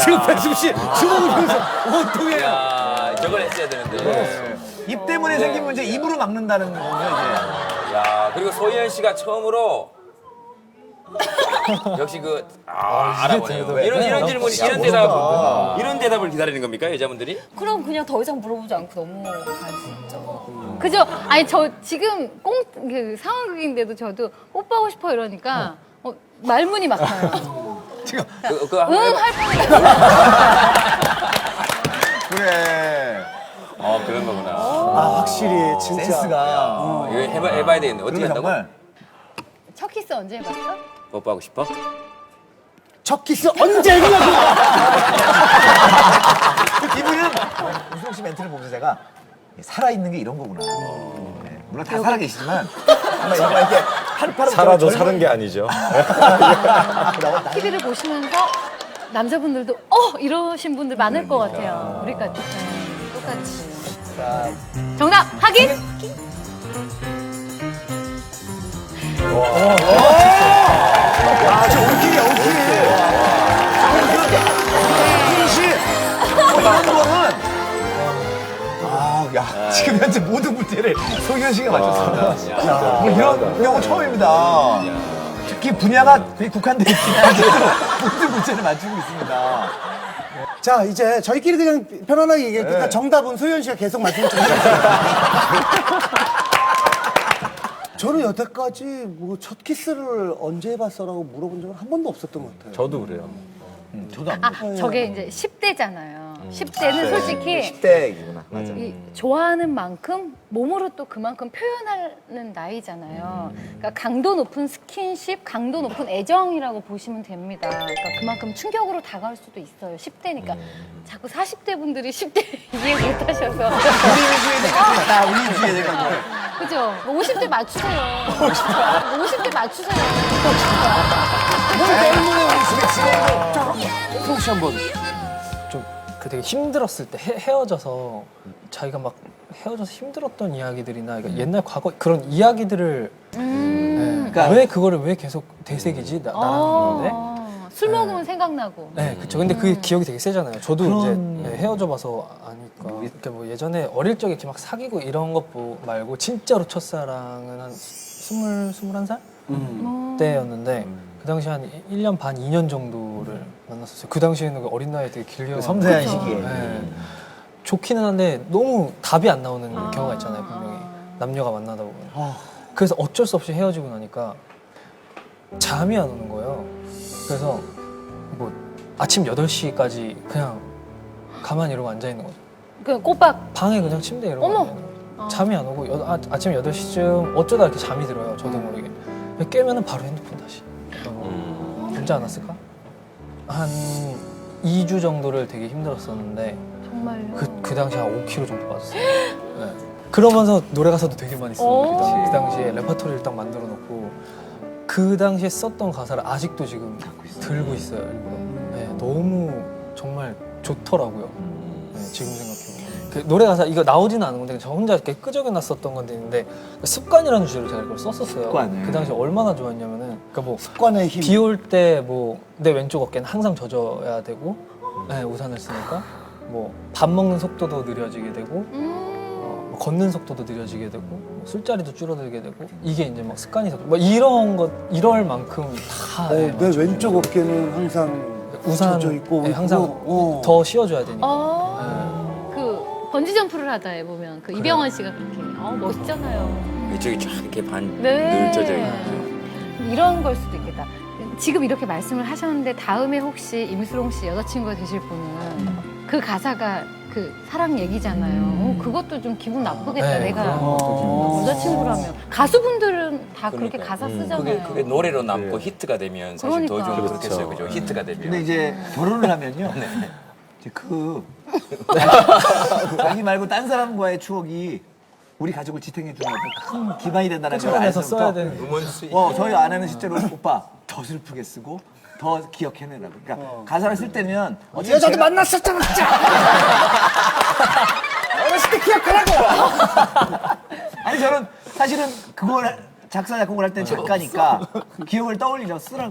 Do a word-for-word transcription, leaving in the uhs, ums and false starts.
지금 백승 씨 주먹을 펴서 어떻게 야, 저걸 했어야 되는데. 입 때문에 생긴 문제 입으로 막는다는 거군요, 이제. 야, 그리고 소희연 씨가 처음으로 역시 그 아, 알아보네요. 이런 이런 질문, 이런 대답, 이런 대답을 기다리는 겁니까 여자분들이? 그럼 그냥 더 이상 물어보지 않고 넘어갈 수 있죠. 그죠? 아니 저 지금 꽁 그 상황극인데도 저도 뽀뽀하고 싶어 이러니까 어, 말문이 막혀요. 지금 그, 그 한번 응 해봐. 할 뻔했어. 그래. 어, 그런 거구나. 아 확실히 진짜 센스가. 어, 이거 해봐, 해봐야 되겠네. 어떻게 그리고 한다고? 정말 첫 키스 언제 해봤어? 뽀뽀하고 싶어? 첫 키스 언제 했냐고. 이분은 우승 씨 멘트를 보면서 제가 살아있는 게 이런 거구나. 네, 물론 다 살아계시지만 정말 이거 이렇게 하루하루 살아도 젊은- 사는 게 아니죠. 티비를 보시면서 남자분들도 어 이러신 분들 많을 것 같아요. 우리까지 네, 똑같이. 정답 확인. 아, 저 올킬이야, 올킬. 올킬 씨. 이런 거는 아, 야, 지금 현재 모든 문제를 소희연 씨가 맞췄습니다. 야, 뭐 이런 경우 처음입니다. 특히 분야가 되게 국한돼 있긴 한데도 모든 문제를 맞추고 있습니다. 자 이제 저희끼리 그냥 편안하게 얘기하니까 네. 정답은 소연 씨가 계속 말씀해 주세요. 저는 여태까지 뭐 첫 키스를 언제 해봤어라고 물어본 적은 한 번도 없었던 것 같아요. 저도 그래요. 저도 안 아 먹어요. 저게 이제 십 대잖아요. 십 대는 솔직히 십 대이구나. 맞아. 이 좋아하는 만큼 몸으로 또 그만큼 표현하는 나이잖아요. 그러니까 강도 높은 스킨십, 강도 높은 애정이라고 보시면 됩니다. 그러니까 그만큼 충격으로 다가올 수도 있어요. 십 대니까 자꾸 사십 대 분들이 십 대 이해 못 하셔서 우리 위주의 대가 다 우리 위주의 대가 그죠? 오십 대 맞추세요. 오십 대 맞추세요. 혹시 한번 좀 그 되게 힘들었을 때 헤, 헤어져서 자기가 막 헤어져서 힘들었던 이야기들이나 그러니까 옛날 과거 그런 이야기들을 음. 네. 왜 그거를 왜 계속 되새기지 나, 나라는 건데 아, 술 먹으면 생각나고. 네, 그렇죠. 근데 그 기억이 되게 세잖아요. 저도 그런- 이제 네, 헤어져 봐서 아니까. 그러니까 뭐 예전에 어릴 적에 이렇게 막 사귀고 이런 것 보- 말고 진짜로 첫사랑은 한 스물 스물한 살 음. 때였는데 그 당시 한 일 년 반, 이 년 정도를 만났었어요. 그 당시에는 그 어린 나이에 되게 길게 섬세한 그쵸. 시기에. 네. 좋기는 한데 너무 답이 안 나오는 아. 경우가 있잖아요, 분명히. 아. 남녀가 만나다 보면. 그래서 어쩔 수 없이 헤어지고 나니까 잠이 안 오는 거예요. 그래서 뭐 아침 여덟 시까지 그냥 가만히 이러고 앉아 있는 거죠. 그 꼬박. 방에 그냥 침대에 이러고 어머! 앉아 있는 거죠. 잠이 안 오고 여, 아, 아침 여덟 시쯤 어쩌다 이렇게 잠이 들어요, 저도 모르게. 깨면은 바로 핸드폰 다시. 어, 언제 안 왔을까? 한 이 주 정도를 되게 힘들었었는데 정말요. 그, 그 당시 한 오 킬로그램 정도 빠졌어요. 네. 그러면서 노래 가사도 되게 많이 썼어요. 오. 그, 당- 그 당시에 레퍼토리를 딱 만들어 놓고 그 당시에 썼던 가사를 아직도 지금 들고 있어요. 일부러. 네, 너무 정말 좋더라고요. 네, 지금 생각해보면. 그 노래 가사 이거 나오지는 않은 건데 저 혼자 이렇게 끄적여놨었던 건데 있는데 습관이라는 주제로 제가 이걸 썼었어요. 습관을. 그 당시 얼마나 좋았냐면은 그러니까 뭐 습관의 힘. 비 올 때 뭐 내 왼쪽 어깨는 항상 젖어야 되고 네, 우산을 쓰니까 뭐 밥 먹는 속도도 느려지게 되고 음. 어, 뭐 걷는 속도도 느려지게 되고 뭐 술자리도 줄어들게 되고 이게 이제 막 습관이 뭐 이런 것 이럴 만큼 다 어, 네, 내 맞죠. 왼쪽 어깨는 항상 우산 젖어 있고 네, 항상 어. 더 씌워줘야 되니까 어. 그 번지 점프를 하다 보면 그 이병헌 씨가 그렇게 어 멋있잖아요. 이쪽이 쫙 이렇게 반 네. 늘 젖어 있고. 이런 걸 수도 있겠다. 지금 이렇게 말씀을 하셨는데 다음에 혹시 임수롱 씨 여자친구가 되실 분은 그 가사가 그 사랑 얘기잖아요. 어, 그것도 좀 기분 나쁘겠다. 네, 내가 그런 것도 좀 여자친구라면 가수분들은 다 그렇게 그러니까요. 가사 그게, 쓰잖아요. 그게 노래로 남고 히트가 되면 사실 더 좀 그러니까. 그렇겠어요. 그죠? 히트가 되면. 근데 이제 결혼을 하면요. 이제 그 자기 말고 딴 사람과의 추억이 우리 가족을 지탱해 주는 어떤 큰 기반이 된다는 걸 끄집어내서 알면서부터 써야 되는 음원 수익. 어, 저희 아내는 실제로 오빠 더 슬프게 쓰고 더 기억해내라고. 그러니까 가사를 쓸 때면 이 여자도 만났었잖아 진짜. 어렸을 때 기억하라고. 아니 저는 사실은 그걸 작사 작곡을 할 땐 작가니까 기억을 떠올리려 쓰라고.